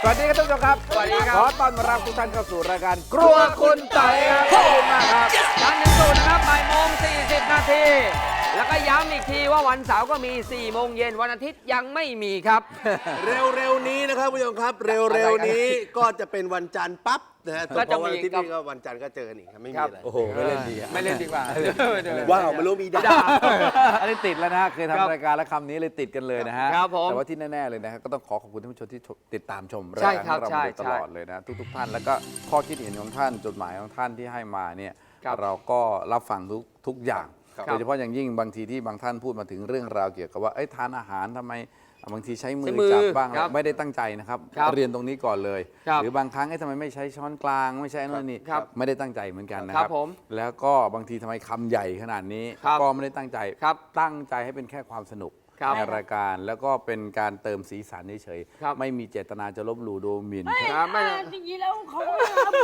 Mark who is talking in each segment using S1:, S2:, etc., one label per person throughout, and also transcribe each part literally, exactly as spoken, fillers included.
S1: วัสดีครับท่านผู้ชมครับ
S2: สวัสดีครับ
S1: ขอต้อนรับทุกท่านเข้าสู่รายการครัวคุณต่อยครับขอบคุณมากครับ
S2: จันทร์ถึงศุกร์นะครับบ่ายโมงสี่สิบนาทีแล้วก็ย้ำอีกทีว่าวันเสาร์ก็มีสี่โมงเย็นวันอาทิตย์ยังไม่มีครับ
S3: เร็วๆนี้นะครับผู้ชมครับ เร็วๆนี้ก็จะเป็นวันจันทร์ปั๊บนะฮะ
S2: ก็จะมี
S3: วันอาทิตย์นี้ก็วันจันทร์ก็เจออีกครับไม่มีอะไร
S1: โอ้โหไม่เล่นดีอะ
S2: ไม่เล่นดีกว่า
S3: ว้าวไม่รู้มีดา
S1: อันนี้ติดแล้วนะฮะเคย
S2: ครับ
S1: ทำรายการแล้วคำนี้เลยติดกันเลยนะฮะ
S2: ครับผม
S1: แต่ว่าที่แน่ๆเลยนะฮะก็ต้องขอขอบคุณท่านผู้ชมที่ติดตามชมราย
S2: ใช่
S1: การ
S2: ครับ
S1: ของเรา
S2: ใช่
S1: มาโดยตลอดเลยนะทุกๆท่านแล้วก็ข้อคิดเห็นของท่านจดหมายของท่านที่ให้มาเนี่ย
S2: ครับ
S1: เราก็รับฟังทุกทุกอย่าง
S2: ครับ
S1: โดยเฉพาะอย่างยิ่งบางทีที่บางท่านพูดมาถึงเรื่องราวเกี่ยวกับว่าเอ้ยทานอาหารทำไมบางทีใช้มื
S2: ใช้
S1: อ
S2: มือ
S1: จับบ้าง
S2: ครับ
S1: ไม่ได้ตั้งใจนะครับ
S2: ครับ
S1: เรียนตรงนี้ก่อนเลย
S2: ครับ
S1: หรือบางครั้งเอ้ยทำไมไม่ใช้ช้อนกลางไม่ใช้นั่นนี่
S2: ครับ
S1: ไม่ได้ตั้งใจเหมือนกันนะค
S2: ครั
S1: รั
S2: บบ ผม
S1: แล้วก็บางทีทำไมคำใหญ่ขนาดนี้
S2: ครับ
S1: ก็ไม่ได้ตั้งใจ
S2: ครับ
S1: ตั้งใจให้เป็นแค่ความสนุก
S2: ครับ
S1: ในรายการแล้วก็เป็นการเติมสีสันเฉย
S2: ครับ
S1: ๆไม่มีเจตนาจะลบหลู่ดูหมิ่น
S2: ครับไม่
S4: จริงๆแล้วเขาก็ทำ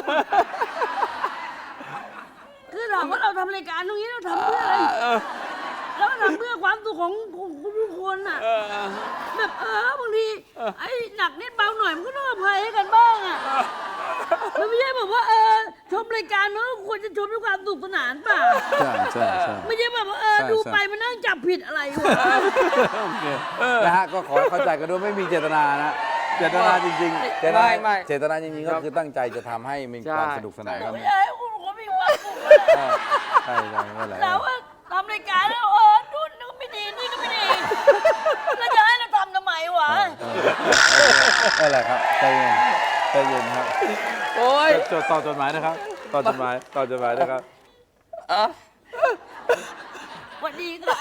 S4: คือถามว่าเราทำรายการตรงนี้เราทำเพื่ออะไรเราทำเพื่อความสุขของของทุกคนอ่ะแบบเออบางทีไอ้หนักนิดเบาหน่อยมันก็ต้องอภัยให้กันบ้างอ่ะมันไม่ใช่แบบว่าเออชมรายการมันก็ควรจะชมด้วยความสนุกสนานเปล่า
S1: ใช่ใช่ใช่
S4: ไม่ใช่แบบว่าเออ
S1: ใช่
S4: ดู
S1: ใช่
S4: ไปมันนั่งจับผิดอะไรวะ
S1: โอเคนะฮะก็ขอให้เข้าใจกันด้วยไม่มีเจตนานะเจตนาจริงๆเจตนา
S2: ไม่ไม่
S1: เจตนาจริงๆก็คือตั้งใจจะทำให้มีความ
S2: ใช่
S1: สนุกสนานกัน
S4: ไม่ใช่คุณก็มีความสุข
S1: ใช่ใช่ใช่ไม่เป็นไร
S4: เราว่าทำรายการแล้วเออนู่นนี่ก็ไม่ดีนี่ก็ไม่ดีแล้วจะให้เราทำทำไมวะ
S1: ไม่เป็นไรครับใจเย็นใจเย็นครับ
S2: โอ้ย
S1: จดต่อจดหมายนะครับต่อจดหมายต่อจดหมายนะครับ
S4: สวัสดีครับ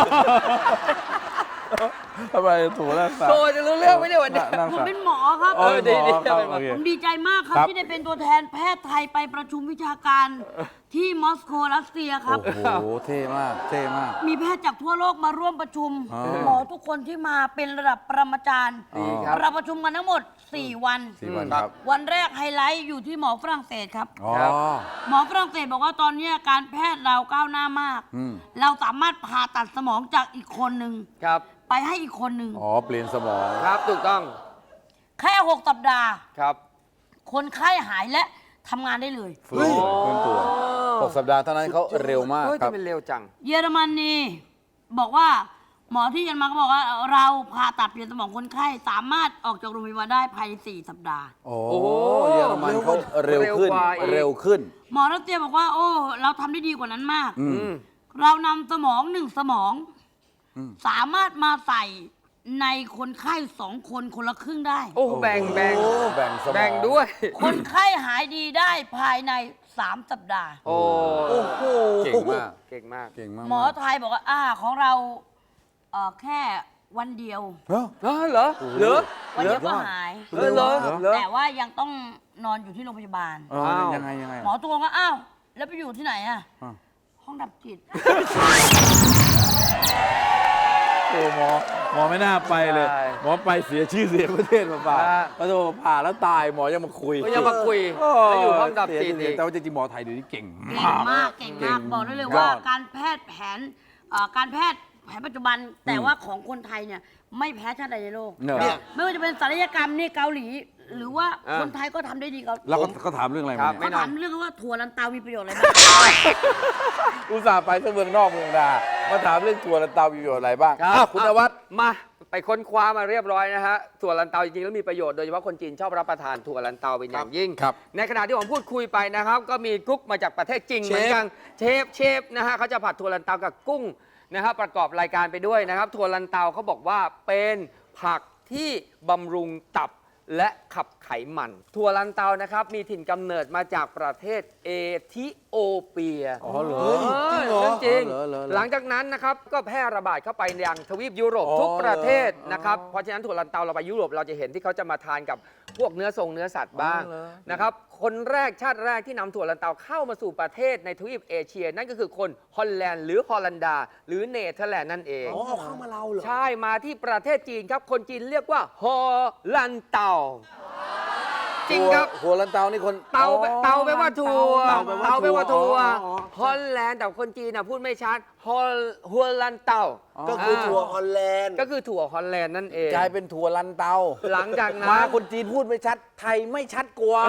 S1: ทำไมถูกแล้ว
S2: โตจะรู้เรื่องไหมเนี่ยวันนี้
S1: นั่ง
S4: ผม
S1: สั่ง
S4: เป็นหมอครับ
S1: เออดีดี
S2: ครับ
S1: โอเค
S4: ผมดีใจมากครับ
S1: ครับ
S4: ที่ได้เป็นตัวแทนแพทย์ไทยไปประชุมวิชาการที่มอสโกรัสเซียครับ
S1: โอ้โหเท่มากเท่มาก
S4: มีแพทย์จากทั่วโลกมาร่วมประชุม
S1: อ๋อ
S4: หมอทุกคนที่มาเป็นระดับปรมาจารย์
S1: ดีครับ
S4: เราประชุมกันทั้งหมด สี่ วัน
S1: สี่วันครับ
S4: วันแรกไฮไลท์อยู่ที่หมอฝรั่งเศสครับ
S1: อ๋อ
S2: ครับ
S4: หมอฝรั่งเศสบอกว่าตอนนี้การแพทย์เราก้าวหน้ามาก
S1: อืม
S4: เราสามารถผ่าตัดสมองจากอีกคนหนึ่ง
S2: ครับ
S4: ไปให้อีกคนหนึ่ง
S1: อ๋อเปลี่ยนสมอง
S2: ครับถูกต้อง
S4: แค่หกสัปดาห์
S2: ครับ
S4: คนไข้หายและทำงานได้เลย
S1: ฟื้นฟื้นตัวหกสัปดาห์เท่านั้นเขาเร็วมาก
S2: เฮ้ย
S1: ครับ
S2: ทำเป็นเร็วจัง
S4: เยอรมนีบอกว่าหมอที่เยอรมันก็บอกว่าเราผ่าตัดเปลี่ยนสมองคนไข้สามารถออกจากโรงพยาบาลได้ภายในสี่สัปดาห์
S1: โอ้
S2: โอ้
S1: เยอรมันเขาเร็วขึ้น
S2: เร็วกว่าอีก
S1: เร็วขึ้น
S4: หมอรัสเซียบอกว่าโอ้เราทำได้ดีกว่านั้นมาก
S1: อื
S2: อื
S1: ม
S2: ม
S4: เรานำสมองหนึ่งสมอง
S1: อืม
S4: สามารถมาใส่ในคนไข้สองคนคนละครึ่งได้
S2: โอ้แบ่งแบ่ง
S1: แบ่งสมอง
S2: แบ่งด้วย
S4: คนไข้หายดีได้ภายในสามสัปดาห์
S2: โอ้
S3: โอ้โห
S1: เก่งมาก
S2: เก่งมาก
S1: เก่งมาก
S4: หมอไทยบอกว่าอ่าของเราเอ่อแค่วันเดียว
S1: เฮ้ย
S2: เออเหรอเหรอ
S4: วันเดียวก็หาย
S2: เออเหรอเหรอ
S4: แต่ว่ายังต้องนอนอยู่ที่โรงพยาบาล
S1: เออ
S2: อ้าว
S1: ยังไงยังไง
S4: หมอตัวก็อ้าว แล้วไปอยู่ที่ไหนอะ
S1: อ่ะ
S4: ห้องดับจิต
S1: โอ้หมอหมอไม่น่าไปเลย
S2: ใช่
S1: หมอไปเสียชื่อเสียงประเทศมาเปล่า
S2: อ่า
S1: พระโทผ่าแล้วตายหมอยังมาคุย
S2: ก็ยังมาคุย
S1: โอ้
S2: แล้วอยู่ห้องดับ
S1: เสีย
S2: จิต
S1: ชื่อเสีย
S2: อี
S1: ง
S2: ก
S1: แต่ว่าจริงๆหมอไทยเดี๋ยวนี้เก่ง
S4: เก่งมากเก่งมากบอกได้เลย
S1: ย
S4: ว่า
S1: อด
S4: การแพทย์แผนเอ่อการแพทย์แผนปัจจุบัน แต่ว่าของคนไทยเนี่ยไม่แพ้ชาติใดในโลก
S1: เนอะ
S3: เนี่ย
S4: ไม่ว่าจะเป็นศัลยกรรมนี่เกาหลี หรือว่า
S2: อ่า
S4: คนไทยก็ทำได้ดีเกา
S1: แล้วก็เขาถามเรื่องอะไร
S2: ครั
S1: มา
S2: บ
S1: เนี่ย
S4: เขาถามเรื่องว่าถั่วลันเตามีประโยชน์อะไรบ้าง
S1: อุตส่าห์ไปทั้งเมืองนอกเมืองนามาถามเรื่องถั่วลันเตามีประโยชน์อะไรบ้าง
S2: ครับ
S1: อ้าวคุณนวัด
S2: มาไปค้นคว้ามาเรียบร้อยนะฮะถั่วลันเตาจริงๆแล้วมีประโยชน์โดยเฉพาะคนจีนชอบรับประทานถั่วลันเตาเป็นอย่างยิ่ง
S1: ครับ
S2: ในขณะที่ผมพูดคุยไปนะครับ ก็มีกุ๊กมาจากประเทศจีนเหมือนกันเชฟเชฟนะฮะเขาจะผัดถั่วลันเตากับกุ้งนะครับประกอบรายการไปด้วยนะครับถั่วลันเตาเขาบอกว่าเป็นผักที่บำรุงตับและขับไขมันถั่วลันเตานะครับมีถิ่นกำเนิดมาจากประเทศเอธิโอเปีย
S1: อ๋อเหรอ
S2: เออจริง
S1: อ๋อเหรอเหรอเหรอ
S2: หลังจากนั้นนะครับก็แพร่ระบาดเข้าไปยังทวีปยุโรป
S1: อ๋อ
S2: ทุกประเทศ
S1: เหรอ
S2: นะครับเพราะฉะนั้นถั่วลันเตาเราไปยุโรปเราจะเห็นที่เขาจะมาทานกับพวกเนื้อทรงเนื้อสัตว์บ้าง
S1: อ๋อเหรอ
S2: นะครับคนแรกชาติแรกที่นำถั่วลันเตาเข้ามาสู่ประเทศในทวีปเอเชีย นั่นก็คือคนฮอลแลนด์หรือฮอลันดา หรือเนเธอร์แลนด์นั่นเอง
S3: อ๋อเอาเข้ามาเราเหรอ
S2: ใช่มาที่ประเทศจีนครับคนจีนเรียกว่าฮอลันเตาจริงครับ
S1: หัวลันเตานี่คน
S2: เตา
S1: อ๋อ
S2: เตาแปลว่าถั่ว
S1: เตาแปลว่า
S2: เตาแปลว่าถั่ว
S1: อ๋ออ๋อ
S2: ฮอลแลนด์แต่คนจีนนะพูดไม่ชัดฮอลฮัวลันเตา
S3: ก็คือถั่วฮอลแลนด์
S2: ก็คือถั่วฮอลแลนด์นั่นเอง
S1: กลายเป็นถั่วลันเตา
S2: หลังจากนั้น
S1: มาคนจีนพูดไม่ชัด ไทยไม่ชัดกว่า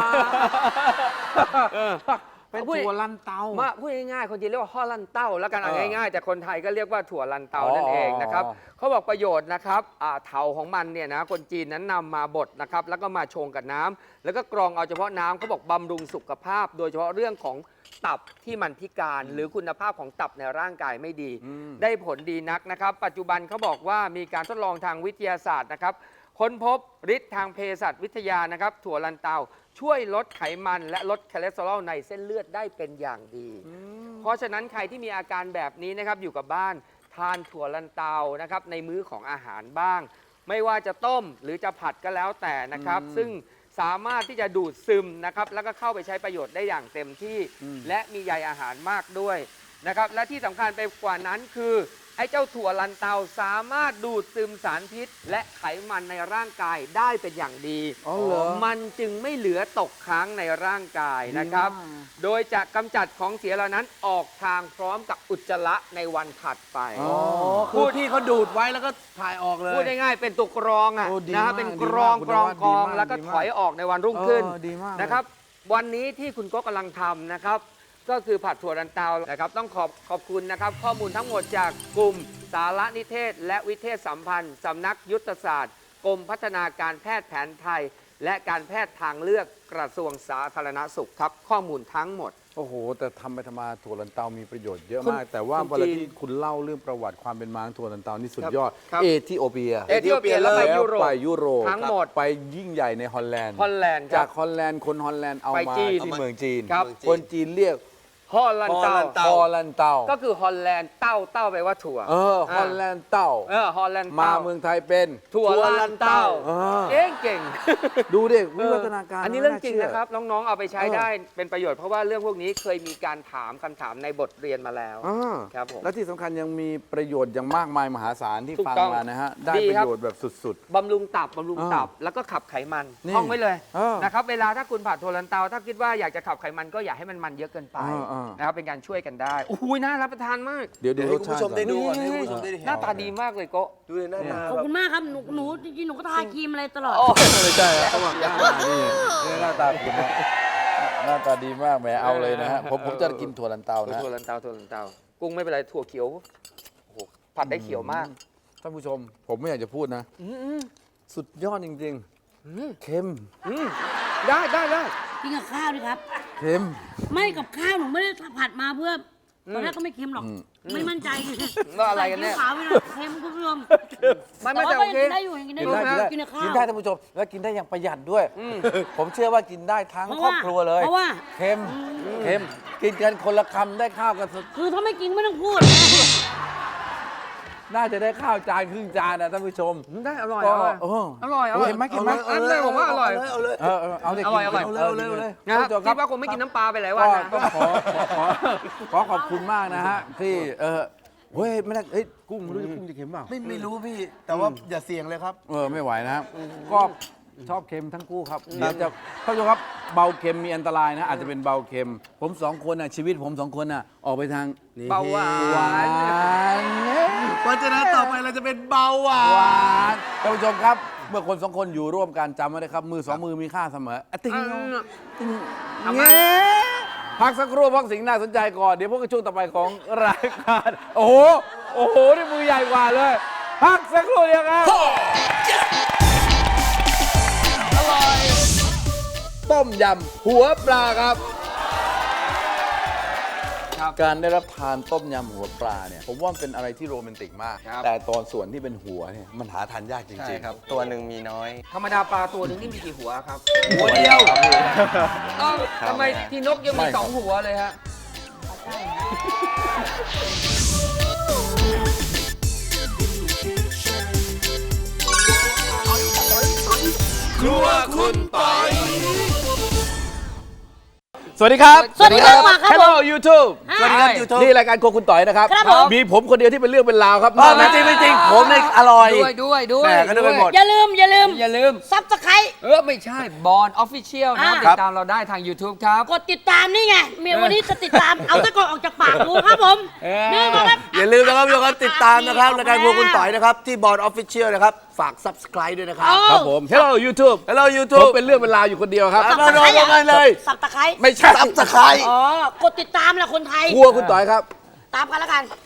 S1: เป็นถั่วลันเตา
S2: มาพูดง่ายๆคนจีนเรียกว่าฮอลลันเต้าแล้วกันเอา
S1: เออ
S2: ง่ายๆแต่คนไทยก็เรียกว่าถั่วลันเตา
S1: อ๋อ
S2: นั่นเองนะครับ
S1: อ๋อ
S2: เขาบอกประโยชน์นะครับอ่าเถาของมันเนี่ยนะคนจีนนั้นนำมาบดนะครับแล้วก็มาชงกับน้ำแล้วก็กรองเอาเฉพาะน้ำเขาบอกบำรุงสุขภาพ โดยเฉพาะเรื่องของตับที่มันพิการ หรือคุณภาพของตับในร่างกายไม่ดี ได้ผลดีนักนะครับ ปัจจุบันเขาบอกว่ามีการทดลองทางวิทยาศาสตร์นะครับค้นพบฤทธิ์ทางเภสัชวิทยานะครับถั่วลันเตาช่วยลดไขมันและลดคอเลสเตอรอลในเส้นเลือดได้เป็นอย่างดี เพราะฉะนั้นใครที่มีอาการแบบนี้นะครับอยู่กับบ้านทานถั่วลันเตานะครับในมื้อของอาหารบ้าง ไม่ว่าจะต้มหรือจะผัดก็แล้วแต่นะครับ ซึ่งสามารถที่จะดูดซึมนะครับแล้วก็เข้าไปใช้ประโยชน์ได้อย่างเต็มที่ และมีใยอาหารมากด้วยนะครับและที่สำคัญไปกว่านั้นคือไอ้เจ้าถั่วลันเตาสามารถดูดซึมสารพิษ และไขมันในร่างกายได้เป็นอย่างดี
S1: อ๋อเหรอ
S2: มันจึงไม่เหลือตกค้างในร่างกายนะครับ
S1: ดีมาก
S2: โดยจะกำจัดของเสียเหล่านั้นออกทางพร้อมกับอุจจาระในวันถัดไป
S1: อ๋อ
S3: คือพี่เขาดูดไว้แล้วก็ถ่ายออกเลย
S2: พูดง่ายๆเป็นตัวกรองอ่ะ
S1: โอ้ดี
S2: นะฮะ
S1: มาก
S2: เป็น
S1: ดี
S2: กร
S1: มา
S2: อก ง
S1: คุณ
S2: กรอง
S1: นวัด
S2: กรอง
S1: ดีมาก
S2: แล้วก็
S1: ดีมาก
S2: ถอยออกในวันรุ่งขึ้น
S1: เออดีมากเลย
S2: นะครับ วันนี้ที่คุณก็กำลังทำนะครับ ก็คือผัดถั่วลันเตานะครับ ต้องขอบขอบคุณนะครับ ข้อมูลทั้งหมดจากกลุ่มสารนิเทศ และวิเทศสัมพันธ์สำนักยุทธศาสตร์กรมพัฒนาการแพทย์แผนไทย และการแพทย์ทางเลือกกระทรวงสาธารณสุขครับ ข้อมูลทั้งหมด
S1: โอ้โห แต่ทำไปทำมาถั่วลันเตามีประโยชน์เยอะ
S2: คุณ
S1: มาก แต่ว่า
S2: คุณ
S1: เวลา
S2: จีน
S1: ที่คุณเล่าเรื่องประวัติความเป็นมาของถั่วลันเตานี่สุด
S2: ครับ
S1: ยอด
S2: ครับ
S1: เอธิโอเปีย
S2: เอธิโอเปียแล้วไป
S1: แล้ว
S2: ยุโรป
S1: ไปยุโรป
S2: ทั้งหมด
S1: ไปยิ่งใหญ่ในฮอลแลนด์
S2: ฮอลแลนด์ค
S1: จา
S2: รั
S1: ก
S2: บ
S1: ฮอลแลนด์คนฮอลแลนด์เอา
S2: ไป
S1: มา
S2: จีน
S1: ที่เมืองจีน
S2: ครับ
S1: คนจีนเรียก
S2: ฮอลแลนด์เต้า
S3: ฮอลแลนด์เต้า
S1: ฮอลแลนด์เต้า
S2: ก็คือฮอลแลนด์เต้าเต้าแปลว่าถั่ว
S1: เออฮอลแลนด์เต้า
S2: เออฮอลแลนด์
S1: มา
S2: เต้า
S1: เมืองไทยเป็น
S2: ถั่วลันเต้า
S1: เออ
S2: เก่งเก่ง
S1: ดูดิวิวัฒนาการ
S2: อันนี้เรื่องจริง
S1: าชื่
S2: นะครับ น้องๆเอาไปใช้
S1: เออ
S2: ได้เป็นประโยชน์เพราะว่าเรื่องพวกนี้เคยมีการถามคำถามในบทเรียนมาแล้ว
S1: อ่า
S2: ครับผม
S1: และที่สำคัญยังมีประโยชน์อย่างมากมายมหาศาลที่
S2: ถูก
S1: ฟัง
S2: ต้อง
S1: มานะฮะ ได้
S2: ดี
S1: ประ
S2: ครับ
S1: โยชน์แบบสุด
S2: บำรุงตับบำรุง
S1: อ่า
S2: ตับ แล้วก็ขับไขมัน
S1: นี่
S2: ท่องไว้เลย
S1: เออ
S2: นะครับเวลาถ้าคุณผัดถั่วลันเตาถ้าคิดว่าอยากจะขับไขมันก็อย่าให้มันมันเยอะเกินไป
S1: อ่าอ่าน
S2: นะครับเป็นการช่วยกันได้โอ้โหน่ารับประทานมาก
S1: ๆ เดี๋ยวดู
S3: เดี๋ยว
S1: ร
S3: ให้
S1: ส
S3: คุณ
S1: ชา
S3: ผู้
S1: ติ
S3: ชม
S1: ก่อน
S3: ได้ดูก่อนให้คุณผู้ชมได้เห็น
S2: หน้าตาดีมากเลยโกะ
S3: ดูเลยหน้าตา
S4: ขอบ
S3: แบบ
S4: คุณมากครับ หนูหนูจริงๆ หนูก็ทาครีมอะไรตลอด
S2: โอ้
S1: ไม่ใช่ครับเขาบอกหน้าตานี่นี่หน้าตาคุณนะหน้าตาดีมากแหมเอาเลยนะฮะผมผมจะกินถั่วลันเตานะ
S2: ถั่วลันเตาถั่วลันเตากุ้งไม่เป็นไรถั่วเขียวโอ้โหผัดได้เขียวมาก
S1: ท่านผู้ชม ผมไม่อยากจะพูดนะ
S2: อืมอืม
S1: สุดยอดจริง
S2: อืม
S1: ๆ เค็ม
S2: อืมได้ได้ได้
S4: กินกับข้าวดิครับ
S1: เค็ม
S4: ไม่กับข้าวหนูไม่ได้ผัดมาเพื่อตอนแรกก็ไม่เค็มหรอก
S1: อืม
S4: ไม่มั่นใจ
S2: ว่าอะไรกันเนี่ย
S4: ใส่ซีอิ๊วขาวไปหน่อยเค็มคุณผู้ชม
S2: ไม่ไม่
S4: แต่
S2: แต่
S4: ว่า
S2: โอ
S4: ก็
S2: เค
S4: ยังกินได้อยู่ยังกินได้
S1: กิ
S4: อน ยู่
S1: ได้กินได้
S4: กินกับข้าว
S1: กินได้ท่านผู้ชม และกินได้อย่างประหยัดด้วย
S2: อืม
S1: ผมเชื่อว่ากินได้ทั้ง
S4: เพราะ
S1: ครอบ
S4: ว่า
S1: ครัวเลย
S4: เพราะว่า
S1: เค็มเค็มกินกันคนละคำได้ข้าวกันสุด
S4: คือถ้าไม่กินไม่ต้องพูด
S1: น่าจะได้ข้าวจานครึ่งจานนะท่านผู้ชม
S2: ได้อร่อย
S1: ก็
S2: อร่อย
S1: เออ
S2: อร่อยอร่อย
S1: เห็นไหมกินไหม
S2: อันนี้ผมว่าอร่อย
S3: เอาเลย
S1: เออเออเอาเด็ก
S2: อร่อยอร่อย
S1: กิน
S3: เอาเลยเอาเลย
S2: นะครับ
S1: ท่านผู้ชม
S2: คิดว่าคงไม่กินน้ำปลาไปหลายวั
S1: ก็
S2: นนะ
S1: ก็ขอขอขอขอบคุณมากนะฮะ ที่เออเฮ้ยไม่ได้เฮ้ยกุ้งไม่รู้จะกุ้งจะเค็มเปล่า
S3: ไม่ไม่รู้พี่ แต่ว่าอย่าเสี่ยงเลยครับ
S1: เออไม่ไหวนะครับก็ชอบเค็มทั้งคู่ครับเดี๋ยวจะท่านผู้ชมครับเบาเค็มมีอันตรายนะอาจจะเป็นเบาเค็ม ผมสองคนน่ะชีวิตผมสองคนน่ะออกไปทาง
S2: เบาหวา
S1: หวาน น
S3: เพราะฉะนั้นต่อไปเราจะเป็นเบาหวา
S1: หวาน นท่านผู้ชมครับ เมื่อคนสองคนอยู่ร่วมกันจำไว้นะครับ มือสองมือมีค่าเสมออะติ้ง
S2: อืม
S1: ติ้ง
S2: ทำไม
S1: เงี้พักสักครู่พักสิ่งน่าสนใจก่อน เดี๋ยวพวกกันช่วงต่อไปของรายการโอ้โห โอ้โห นี่มือใหญ่กว่าเลย พักสักครู่เดียวครับ อร่อย ต้มยำหัวปลาครับ
S2: ครับ
S1: การได้รับทานต้มยำหัวปลาเนี่ย ผมว่ามันเป็นอะไรที่โรแมนติกมาก
S2: ครับ
S1: แต่ตอนส่วนที่เป็นหัวเนี่ยมันหาทานยากจ
S5: ใช่
S1: ริงๆ
S5: ครับ ตัวหนึ่งมีน้อย
S2: ธรรมดาปลาตัวหนึงนี่มีกี่หัวครับ
S1: หัวเดียว
S2: อ้าวทำไมที่นกยังมีสองหัวเลยฮะ
S3: ครัวคุณปอย
S1: สวัสดีครับ
S4: สวัสดีครับมาครับ
S1: Hello YouTube
S3: สวัสดีครับ YouTube
S1: นี่รายการโครัวคุณต่อยนะครับ
S4: ครับผม
S1: มีผมคนเดียวที่เป็นเรื่องเป็นราวครับ
S3: อ๋อไม่จริงไม่จริงผมเนี่ยอร่อย
S2: ด้วยด้วยด้วย
S3: แหม่ก็นึกไปหมด
S4: อย่าลืมอย่าลืม
S2: อย่าลืม
S4: ซับสไครต์
S2: เออ ไม่ใช่บอลออฟฟิเชียลนะครับ
S4: อ่า
S2: ติดตามเราได้ทาง YouTube ครับ
S4: กดติดตามนี่ไงเมียวันนี้จะติดตาม เอาตะกอนออกจากปากกูครับผม
S2: เออ
S4: นี่ก็ครับ
S3: อย่าลืมนะครับทุกคนติดตามนะครับรายการพวกคุณต่อยนะครับ ที่บอร์ดออฟฟิเชียลนะครับ ฝาก subscribe ด้วยนะครับ
S1: ครับผม Hello YouTube
S3: Hello
S1: ผม
S3: YouTube
S1: เป็นเรื่องเป็นราวอยู่คนเดียวครับ
S3: มาโดนกันเลย
S4: สับตะไคร้
S1: ไม่ใช่
S3: subscribe
S4: อ๋อกดติดตามแหละคนไทย
S1: ครัวคุณต่อยครับ
S4: ตามกันแล้วกัน